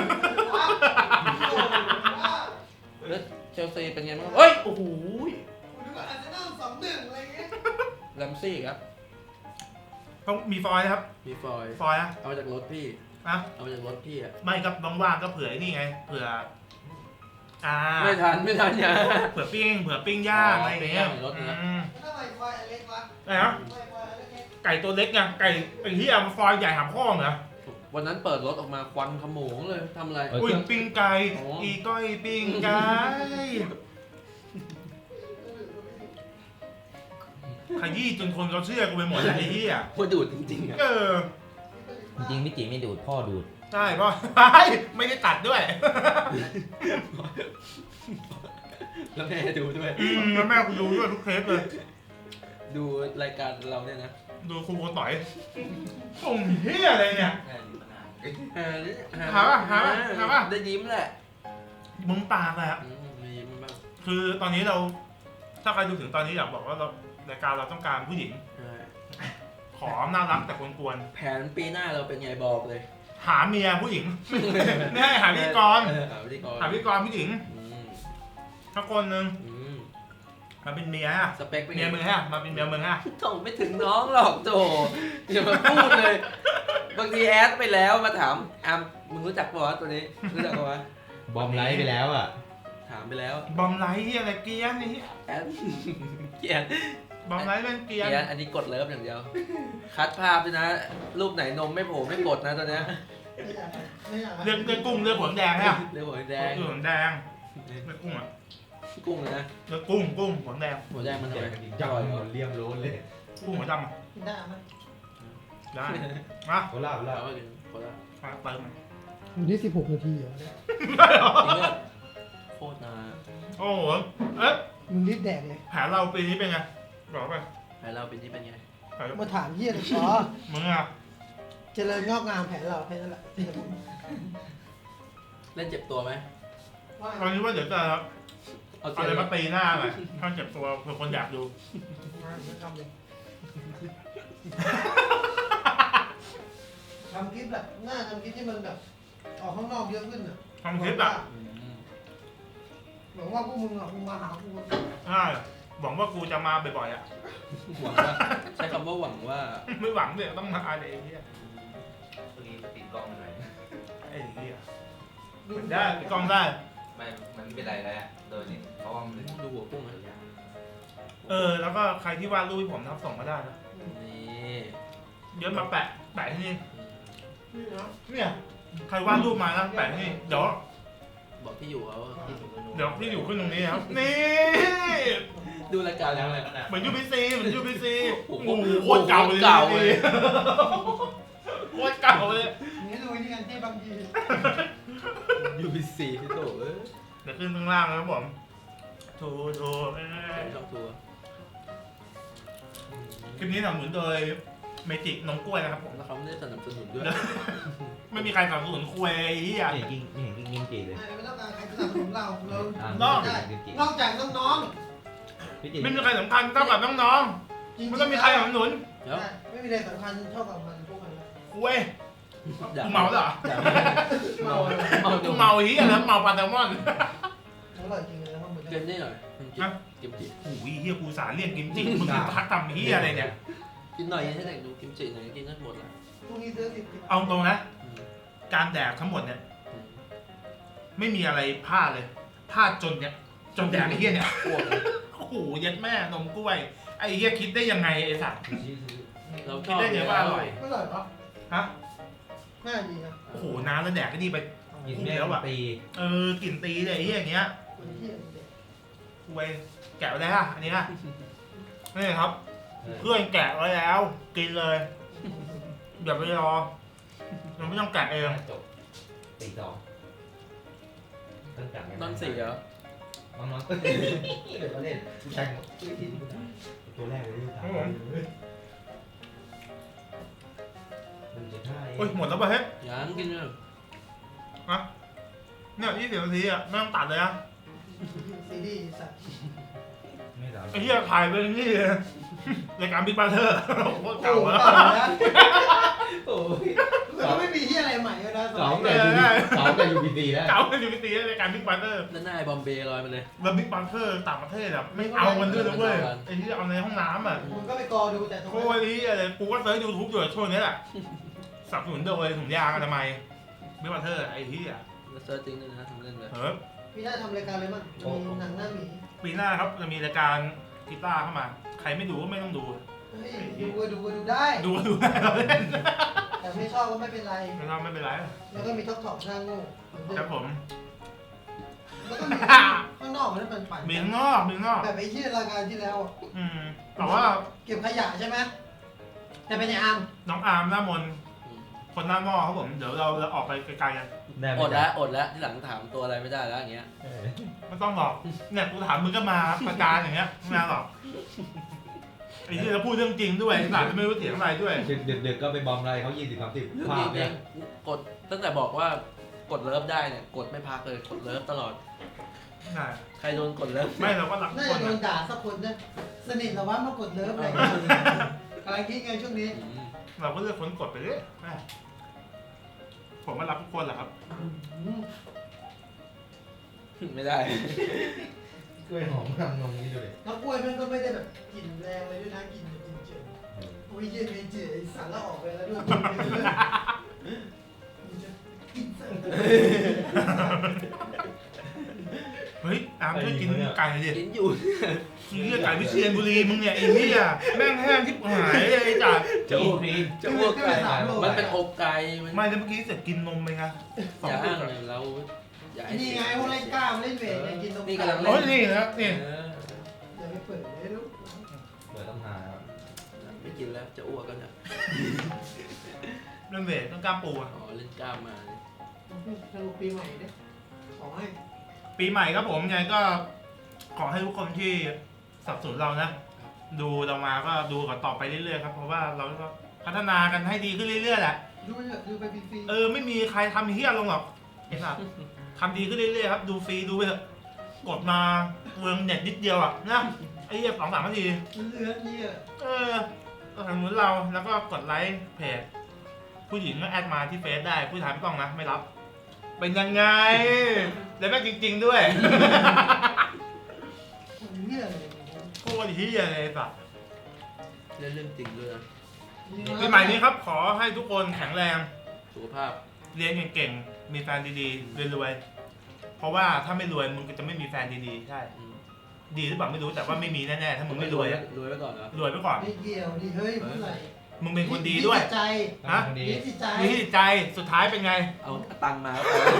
Speaker 6: แล้วเชลซีเป็นไงบ้างเฮ้ยโอ้โห
Speaker 2: คุณดูว่าอาจจะนั่ง2-1อะไรเงี้ย
Speaker 6: แรมซี่ครับ
Speaker 1: ต้องมีฟอยล์ครับ
Speaker 6: มีฟอยล์
Speaker 1: ฟอยล์อะ
Speaker 6: เอามาจากรถพี่
Speaker 1: อะ
Speaker 6: เอามาจากรถพี่อ่ะ
Speaker 1: ไม่ครับว่างๆก็เผื่อไอ้นี่ไง เผื่อ
Speaker 6: ไม่ทันอย่า
Speaker 1: เผื่อปิ้งย่างอะไรอย่างเงี้ย
Speaker 6: ปิ้งย่างในรถนะ
Speaker 1: อืม
Speaker 2: ทำไมควายอเล็กวะ
Speaker 1: อะไรนะ
Speaker 2: ทำไมควายอเล็กเนี่ย
Speaker 1: ไก่ตัวเล็กไงไก่ไอ้ที่เอาฟอยล์ใหญ่หามข้อเหรอ
Speaker 6: วันนั้นเปิดรถออกมาควันขโมงเลยทำอะไร
Speaker 1: อุ้ยปิ้งไก่
Speaker 6: โอ้
Speaker 1: อีก้อยปิ้งไก่ขยี้จนคนเขาเชื่อกูไปหมดแล้วไอ้เหี้ย
Speaker 6: พูดดูดจริงๆอ่ะ
Speaker 1: เออ
Speaker 8: จริงๆพี่จีไม่ดูดพ่อดูด
Speaker 1: ใช่เพราะ ไม่ได้ตัดด้วย
Speaker 6: แล้วแม่ดูด้วย
Speaker 1: แล้วแม่กูดูด้วยทุกเทปเลย
Speaker 6: ดูรายการเราเนี่ยนะ
Speaker 1: ดูครูโกต่อยส่งเฮียอะไรเนี่ย หาป่ะ
Speaker 6: ได้ยิ้มแหละ
Speaker 1: มึงปากเลยอะ
Speaker 6: มียิ้มบ้าง
Speaker 1: คือตอนนี้เรา ถ้าใครดูถึงตอนนี้อยากบอกว่าเรารายการเราต้องการผู้หญิง
Speaker 6: ใช่
Speaker 1: ขอน่ารักแต่กวน
Speaker 6: แผนปีหน้าเราเป็นไงบอกเลย
Speaker 1: ๆหาเมียผู้หญิง ไม่ให้หาพิธีกร
Speaker 6: หาพิธีกร
Speaker 1: หาพิธีกรผู้หญิง
Speaker 6: อืม
Speaker 1: ถ้าคนหนึ่ง
Speaker 6: อืม
Speaker 1: มาเป็นเมียอะ
Speaker 6: สเปคเป็น
Speaker 1: เมี
Speaker 6: ไง
Speaker 1: ยมึงฮะมาเป็นเมียมึงฮะ
Speaker 6: โถไม่ถึงน้องหรอกโถอย่ามาพูดเลย บางทีแอดไปแล้วมาถามอามมึงรู้จักปะวะตัวนี้รู้จักปะวะ
Speaker 8: บอมไลท์ไปแล้วอ่ะ
Speaker 6: ถามไปแล้ว
Speaker 1: บอมไลท์เฮียอะไรเกรียนนี่
Speaker 6: แอดเกลียด
Speaker 1: บอมไลท์เป็นเกรียน
Speaker 6: เกลียดอันนี้กดเลิฟอย่างเดียว คัดภาพด้วยนะ รูปไหนนมไม่โผล่ไม่กดนะตอนเนี้ย
Speaker 2: ไม่อยาก
Speaker 1: เรื่องกุ้งเรื่องหัวแดงฮะ
Speaker 6: เรื่องหัวแดง
Speaker 1: เรื่องหัวแดงเรื่องกุ้งอะ
Speaker 6: กุ้งเลยนะ
Speaker 1: เรื่องกุ้งหัวแดง
Speaker 6: หัวแดงมันทำไม
Speaker 8: จังหมดเลี่ยมโล้นเลย
Speaker 1: กุ้งหัวดำอ่ะ
Speaker 2: กินได้ไหม
Speaker 1: ได้มา
Speaker 8: โคราชโครา
Speaker 6: เรา
Speaker 8: ช
Speaker 6: ก็กินคนละ
Speaker 1: เติมมัน
Speaker 2: อยู่ที่16 นาทีเหรอเนี่ย
Speaker 6: จริงด้วยโคตรนาน
Speaker 1: โอ้โหเอ๊ะ
Speaker 2: มึงรีบแดกเลย
Speaker 1: แผนเราปีนี้เป็นไงบอกไป
Speaker 6: แผนเราเป็นที่เป็นไง
Speaker 1: แผน
Speaker 2: มาถามเฮียเลยอ๋อ
Speaker 1: มึงอ่ะ
Speaker 2: เจริญงอกงามแผนเราแค่นั้นแหละ
Speaker 6: เล่นเจ็บตัวไหม
Speaker 2: ว่า
Speaker 1: ตอนนี้ว่าเดี๋ยวจะ
Speaker 6: เอา
Speaker 1: เอา
Speaker 6: เจ็บ
Speaker 1: อะไร
Speaker 6: เลย
Speaker 1: มาตีหน้าหน่อยถ้าเจ็บตัวเผื่อคนอยากดู
Speaker 2: ทำเลยทำคลิปแบบหน้าทำคลิปที่มันแบบออกข้างนอกเยอะขึ้นอ่ะ
Speaker 1: ทำคลิปอ่ะ
Speaker 6: อืม
Speaker 2: หวังว่าพวกมึงอ่ะมึงมาหากู
Speaker 1: ใช่หวังว่ากูจะมาบ่อยๆอ่ะ
Speaker 6: หวังว่าใช้คำว่าหวังว่า
Speaker 1: ไม่หวังเนี่ยต้องมาอะไรไอ้เหี้ย
Speaker 7: เมื่อกี้ติดกล้องหน่อย
Speaker 1: ไอ้เหี้ยได้ปิดกล้องได้
Speaker 7: ไม่มันไม่เป็นไรแล้วโดยนี่เพราะว่ามัน
Speaker 6: ดูหัวกุ้งนะ
Speaker 1: แล้วก็ใครที่วาดรูปให้ผมนะครับส่งมาได้นะ
Speaker 6: นี่
Speaker 1: เดี๋ยวมาแปะที่นี่
Speaker 6: อืม
Speaker 2: นี่นะ
Speaker 1: เนี่ยใครวาดรูปมานะแปะที่นี่เดี๋ยว
Speaker 6: บอกที่อยู่เขา
Speaker 1: ที่อยู่ขึ้นตรงนี้ครับนี่
Speaker 6: ดูรายการแล้วไง
Speaker 1: เหมือน UBC เหมือน UBC
Speaker 6: โอ้
Speaker 1: โอ้
Speaker 6: โห
Speaker 1: โหโคตรเก่าเลย
Speaker 6: เก่าเลย
Speaker 1: โคตรเก่าเลย
Speaker 2: นี่ดูนี่กันที่บางที
Speaker 6: UBC ที่โตเอ้ย
Speaker 1: เดี๋ยวขึ้นข้างล่างนะครับผมโถ
Speaker 6: ชอบทัวร์
Speaker 1: คลิปนี้สนับสนุนโดยเมจิกนมกล้วยนะครับผม
Speaker 6: แล้วเขาไม่ได้สนับสนุนด้วย
Speaker 1: ไม่มีใครสนับสนุนคุยไอ้เหี้ย
Speaker 8: ไม่เห็นกินไม่เห็นกินจีเลย
Speaker 2: ไม่ต้องการใครสนับสนุนเรา
Speaker 1: นอก
Speaker 2: ได้นอกจากน้อง
Speaker 8: พี่จี
Speaker 1: ไม่มีใครสำคัญเท่ากับน้อง
Speaker 2: ๆ
Speaker 1: ๆมันต้องมีใครสนับสนุน
Speaker 6: เดี๋ยว
Speaker 2: ไม่มีอะไรสำคัญเท่ากับมันพวกมัน
Speaker 1: คุยกูเมาเหรอ
Speaker 6: เมาเมา
Speaker 1: กูเมาเหี้ยแล้วเมาปลาแซลมอน
Speaker 2: อร่อยจริงเลยนะมันเหมือน
Speaker 6: เก
Speaker 2: กัน
Speaker 6: มนี่หน่อยกิมจิ
Speaker 1: โอ้ยเหี้ยกูสารเรียกกิมจิมึงทักทำเหี้ยอะไรเนี่ย
Speaker 6: กินหน่อยให้เด็กดูกิมจิหน่อยกินทั้งหมดละ
Speaker 2: พรุ่งนี้ซื้อ10
Speaker 1: เอาตรงนะ
Speaker 6: อืม
Speaker 1: การแดกทั้งหมดเนี่ย
Speaker 6: อืม
Speaker 1: ไม่มีอะไรพลาดเลยพลาดจนเนี่ยจนแดกไอ้เหี้ยเนี่ย
Speaker 6: อ้วกเลย
Speaker 1: โอ้โหยัดแม่นมกล้วยไอ้เหี้ยคิดได้ยังไงไอ้สัตว์
Speaker 6: เราช
Speaker 1: คิด
Speaker 6: อบ
Speaker 1: ได้ไงว่าอร่อย
Speaker 2: ไม่อร่อยปะ
Speaker 1: ฮะ
Speaker 2: น่าดีนะ
Speaker 1: โอ้โหน้ำแล้วแดกก็ดีไป
Speaker 8: กินแม่งตี
Speaker 1: กลิ่นตีเลยไอ้เหี้ยอย่างเงี้ย
Speaker 2: คนที่เด็ก
Speaker 1: กล้วยแกะไว้แล้วอันนี้นี่ครับเพื่อนแกะไว้แล้วกินเลยอย่าไปรอเราไม่ต้องแกะเอง
Speaker 8: จบตีสองตั้งแต่
Speaker 6: นอนสี่เหรอ
Speaker 8: น้องๆก็เดี๋ยวมาเล่นผู้ชายหมดตัวแรกเลยที่สาม1.5
Speaker 1: โอ้ยหมดแล้วป่ะเฮ้ย
Speaker 6: ยังกินเลย
Speaker 1: เนี่ย20 นาทีอ่ะไม่ต้องตัดเลยนะ
Speaker 2: ซีรีส์สัตว์
Speaker 8: ไม่สาม
Speaker 1: ไอ้เหี้ยถ่ายไปนี่เลยรายการบิ๊กบัตเตอร์โคตรเก่า
Speaker 2: โอ้โห
Speaker 1: แล้ว
Speaker 2: เก่านะ
Speaker 8: โอ้ย
Speaker 2: มันไม่มีที่อะไรใหม่เลยนะ
Speaker 8: สองแต่ยูบีซีแล้ว
Speaker 1: เก่าเป็นอยู่ปีรายการบิ๊กบัตเตอร์
Speaker 6: ด้านหน้าไอ้บอมเบย์ลอยมาเลย
Speaker 1: แล้วบิ๊กบัตเตอร์ต่างประเทศอ่ะไม่เอามันด้วยนะเว้ยไอ้ที่เอาในห้องน้ำอ่ะ
Speaker 2: มึงก็ไปกอดูแต่ตรง
Speaker 1: โคตรนี้อะไรกูก็เซิร์ชยูทูบอยู่ช่วงนี้แหละสนับสนุนโดยถุงยางอนามัยบิ๊กบัตเตอร์ไอ้ที่อ่ะ
Speaker 6: แล้วเซิร์ชจริงด้วยนะทำเล่นเลย
Speaker 2: พี่ได้ทำรายการเลยมั้งมีหนังหน้าหมี
Speaker 1: ปีหน้าครับจะมีรายการกีตาร์เข้ามา ใครไม่ดูก็ไม่ต้องดู
Speaker 2: เฮ้ยดูได้
Speaker 1: ดูได้เราเล่น
Speaker 2: แต่ไม่ชอบก็ไม่เป็นไร
Speaker 1: ไม่ทำไม่เป็นไร
Speaker 2: แล้วก็มีท็อกท็อกหน้าโง่
Speaker 1: ครับผม
Speaker 2: แล้วก็มีข้างนอกมันเป็นปั่น
Speaker 1: มีข้างนอกมีข้างนอก
Speaker 2: แบบไอ้ที่รายการที่แล้ว
Speaker 1: แต่ว่า
Speaker 2: เก็บขยะใช่ไหมแต่เป็นไอ้อาร์ม
Speaker 1: น้องอาร์มหน้ามนคนหน้าหม้อครับผมเดี๋ยวเราออกไปไกลๆกัน
Speaker 6: อดแล้วอดแล้วที่หลังถามตัวอะไรไม่ได้แล้วอย่างเงี้ย
Speaker 1: ไม่ต้องหรอกเนี่ยกูถามมึงก็มาประจานอย่างเงี้ยไม่มาหรอกไอ้ที่เราพูดเรื่องจริงด้วยหลานไม่รู้เสียงอะไรด้วย
Speaker 8: ดึกก็ไปบอมอะไรเขา20-30
Speaker 6: เรื่อง
Speaker 8: ภา
Speaker 6: จริ
Speaker 8: พ
Speaker 6: ง
Speaker 8: เนี่ย
Speaker 6: กดตั้งแต่บอกว่ากดเลิฟได้เนี่ยกดไม่พักเลยกดเลิฟตลอด
Speaker 1: ใช่
Speaker 6: ใครโดนกดเลิฟ
Speaker 1: ไม่เราก็รักทุ
Speaker 2: น่าก
Speaker 1: ค
Speaker 2: จะ
Speaker 1: น
Speaker 2: โดน
Speaker 1: นะ
Speaker 2: ด่าสักคนนะสนิทเหรอวะมากดเลิฟอะไรกำลังคิดไงช่วงนี้
Speaker 1: เราก็เลือกคนกดไปเรื่อยแม่ผมก็รักทุกคนแหละครับ
Speaker 6: ไม่ได้
Speaker 8: กล้วยหอมทำนมนี่ดูเลย
Speaker 2: แล้วกล้วยมันก็ไม่ได้แบบกลิ่นแรงเลยด้วยนะกลิ่นเฉยโอ้ยเย็นเฉยสารละออกไปแล้วด้วยกินเสร็จ
Speaker 1: เฮ้ยอามช่วยกินไก่หน่อยดิ
Speaker 6: กินอยู่
Speaker 1: เหี้ยไก่วิเชียรบุรีมึงเนี่ยไอ้เหี้ยแม่งแห้งที่หายเลยไอ้จ่า
Speaker 6: จะอ้วกจะอ้วกไก่มันเป็นอกไก่มัน
Speaker 1: ไม่แล้วเมื่อกี้เสร็จกินนมไปไงสอง
Speaker 6: อย่า
Speaker 1: ลู
Speaker 6: อ้าง
Speaker 1: ก
Speaker 6: เลยเราอย่าให้
Speaker 2: นี่
Speaker 6: เสี
Speaker 2: ไง
Speaker 6: ย
Speaker 2: พวกเล่นกล้ามเล่นเวทเนี่ยกินนม
Speaker 6: นี่กำลังเล่
Speaker 1: โอ้ยนี่นะนี่
Speaker 6: เออ
Speaker 2: อย่าไปเปิดเลยลูก
Speaker 8: เปิดต้องหา
Speaker 6: เกินแล้วจะอ้วกกันเนี่ย
Speaker 1: เรื่องเวทต้องกล้ามปูอะ
Speaker 6: อ๋อเล่นกล้ามมาเนี่ย
Speaker 2: สรุปปีใหม่เนี่ยขอให้
Speaker 1: ปีใหม่ครับผมยังไงก็ขอให้ทุกคนที่สนับสนุนเรานะ ดูเรามาก็ดูกันต่อไปเรื่อยๆครับเพราะว่าเราก็พัฒนากันให้ดีขึ้นเรื่อยๆแหละ
Speaker 2: ดูไปเถอะดูไปฟรี
Speaker 1: ไม่มีใครทำเฮี้ยลงหรอกเห็นป่ะทำดีขึ้นเรื่อยๆครับดูฟรีดูไปเถอะกดมาเมืองเน็ตนิดเดียวอ่ะนะไอ้เหี้ย2-3 นาที
Speaker 2: ๆเหลือเนี่ย
Speaker 1: ก็ทางนู้นเราแล้วก็กดไลค์เพจผู้หญิงก็แอดมาที่เฟซได้ผู้ชายไม่ต้องนะไม่รับ เป็นยังไงแล้วแม่งจริง ๆด้วย
Speaker 2: เนี่ยเลย
Speaker 1: โคตรเฮี้ยเลยสัส
Speaker 6: เล่นเรื่องจริงด้วยนะ
Speaker 1: ปีใหม่นี้ครับขอให้ทุกคนแข็งแรง
Speaker 6: สุขภาพ
Speaker 1: เรียนเก่งๆมีแฟนดีๆรวยๆเพราะว่าถ้าไม่รวยมึงก็จะไม่มีแฟนดีๆใช่
Speaker 6: อืม
Speaker 1: ดีหรือเปล่าไม่รู้แต่ว่าไม่มีแน่ๆถ้ามึงไม่รวยอะ
Speaker 6: รวยไว้ก่อนเหรอ
Speaker 1: รวยไปก่อน
Speaker 2: ไม่เกี่ยวดิเฮ้ยพูดอะไร
Speaker 1: มึงเป็นคนดีด้วย
Speaker 2: มีจิตใจ
Speaker 1: ฮะ
Speaker 8: คนดี
Speaker 2: มีจิตใจ
Speaker 1: มีจิตใจสุดท้ายเป็นไง
Speaker 6: เอาตังค์มาก็พอ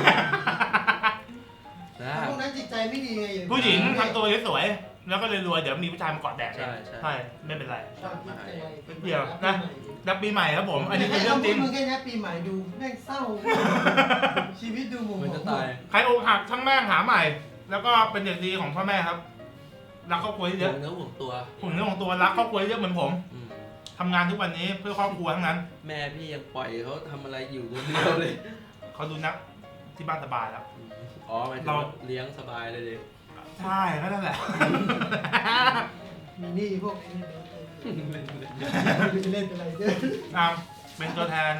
Speaker 6: นะ
Speaker 2: พวกนั้นจิตใจไม่ดีไงอย่า
Speaker 1: ผู้หญิงทำตัวสวยๆแล้วก็เลยรวยเดี๋ยวมีผู้ชายมาเกาะแดก
Speaker 6: ใช่ใช่
Speaker 1: ใช่ไม่เป็นไร
Speaker 2: ชอบจิตใจ
Speaker 1: เดี๋ยวนะ รับปีใหม่ครับผม อันนี้เป็นเรื่องจริง
Speaker 2: มึงแค่นี้ปีใหม่ดูแม่งเศร้า ชีวิตดูหมุน
Speaker 6: มันจะตาย
Speaker 1: ใครอกหักช่างแม่งหาใหม่ แล้วก็เป็นเด็กดีของพ่อแม่ครับรักครอบครัวเย
Speaker 6: ห่ว
Speaker 1: อะ
Speaker 6: งเนื้อห่วงตัว
Speaker 1: ผมเรื่องของตัวรักครอบครัวเยอะเหมือนผม
Speaker 6: อืม
Speaker 1: ทำงานทุกวันนี้เพื่อครอบครัวทั้งนั้น
Speaker 6: แม่พี่ยังปล่อยเขาทำอะไรอยู่คนเดียวเลย
Speaker 1: เขาดูนักที่บ้านสบายแล้ว
Speaker 6: อืมอ๋อหมายถึง
Speaker 1: เรา
Speaker 6: ว่าเลี้ยงสบายเลยดิ
Speaker 1: ใช่ก็นั่นแหละ
Speaker 2: มีหนี่พวกนี้เล่นอะไรเยอะ
Speaker 1: ตามเป็นตัวแทน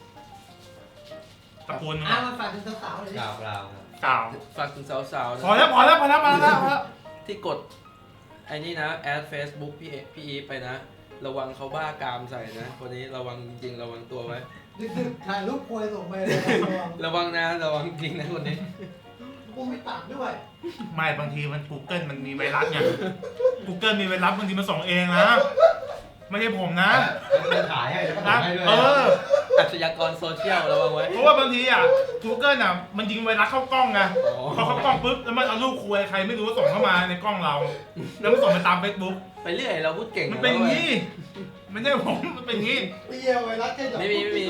Speaker 1: ตระกูลมึง
Speaker 2: เอา
Speaker 1: อะ
Speaker 2: มาฝากถึงสาวๆเลยดิ
Speaker 8: กล่าว
Speaker 1: กล่าว
Speaker 6: ฝากถึงสาวๆนะ
Speaker 1: พอแล้วมาแล้ว
Speaker 6: ที่กดไอ้นี่นะแอด Facebook พี่อีฟไปนะ ระวังเขาบ้ากามใส่นะคนนี้ระวังจริงๆระวังตัวไว้
Speaker 2: ดึกๆถ่ายรูปควยส่งไปเลย
Speaker 6: ระวังนะระวังจริงนะคนนี้
Speaker 2: กูไม่ตัดด้วย
Speaker 1: ไม่บางทีมัน Google มันมีไวรัสไง Google มีไวรัสบางทีมันส่งเองนะ ไม่ใช่ผมนะ
Speaker 8: จะถ่ายให้แล้วก็
Speaker 1: นะ
Speaker 8: ถ่ายให้ด้วย
Speaker 6: อาชญากรโซเชียลระวังไว้
Speaker 1: เพราะว่าบางทีอ่ะ Google อ่ะมันยิงไวรัสเข้ากล้องไง
Speaker 6: อ๋อ
Speaker 1: พอเข้ากล้องปุ๊บแล้วมันเอารูปคุยใครไม่รู้ส่งเข้ามาในกล้องเรา แล้วมันส่งไปตาม Facebook
Speaker 6: ไปเรื่อยเราพูดเก่ง
Speaker 1: มันเป็นอย่างนี้ไม่ใช่ผมมันเป็นอย่างนี้
Speaker 2: เปรี้ยวไวรัสแค่ดอก
Speaker 6: ไม่มี
Speaker 2: ไม่มี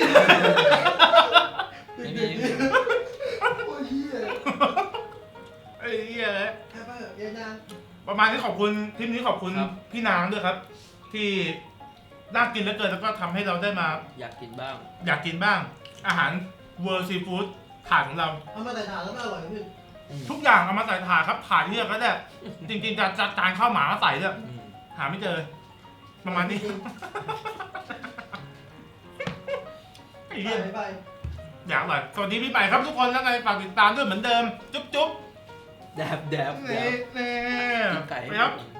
Speaker 2: โอ้ยเหี้ย
Speaker 1: ไอ้เหี้ยเลย
Speaker 2: แค่เพิ่มเย็นยัง
Speaker 1: ประมาณนี้ขอบคุณทริปนี้ขอบคุณพี่นางด้วยครับ ที่น่ากินเหลือเกินแล้วก็ทำให้เราได้มา
Speaker 6: อยากกินบ้าง
Speaker 1: อยากกินบ้าง อาหาร World Seafood ถาดของเรา
Speaker 2: เอามาใส่ถาดแล้วมันอร่อยขึ้น
Speaker 1: ทุกอย่างเอามาใส่ถาดครับถาดที่เราก็ได้จริงๆจะจานข้าวหมามาใส่ด้วย
Speaker 6: อืม
Speaker 1: หาไม่เจอ ประมาณนี้ไอ้เหี้ย
Speaker 2: ไป
Speaker 1: อยากอร่อยสวัสดีพี่ใหม่ครับทุกคนแล้วไงฝากติดตามด้วยเหมือนเดิม จุ๊บ
Speaker 6: แดบ
Speaker 1: ๆนี่
Speaker 6: กินไก่
Speaker 1: ครับ
Speaker 6: ให้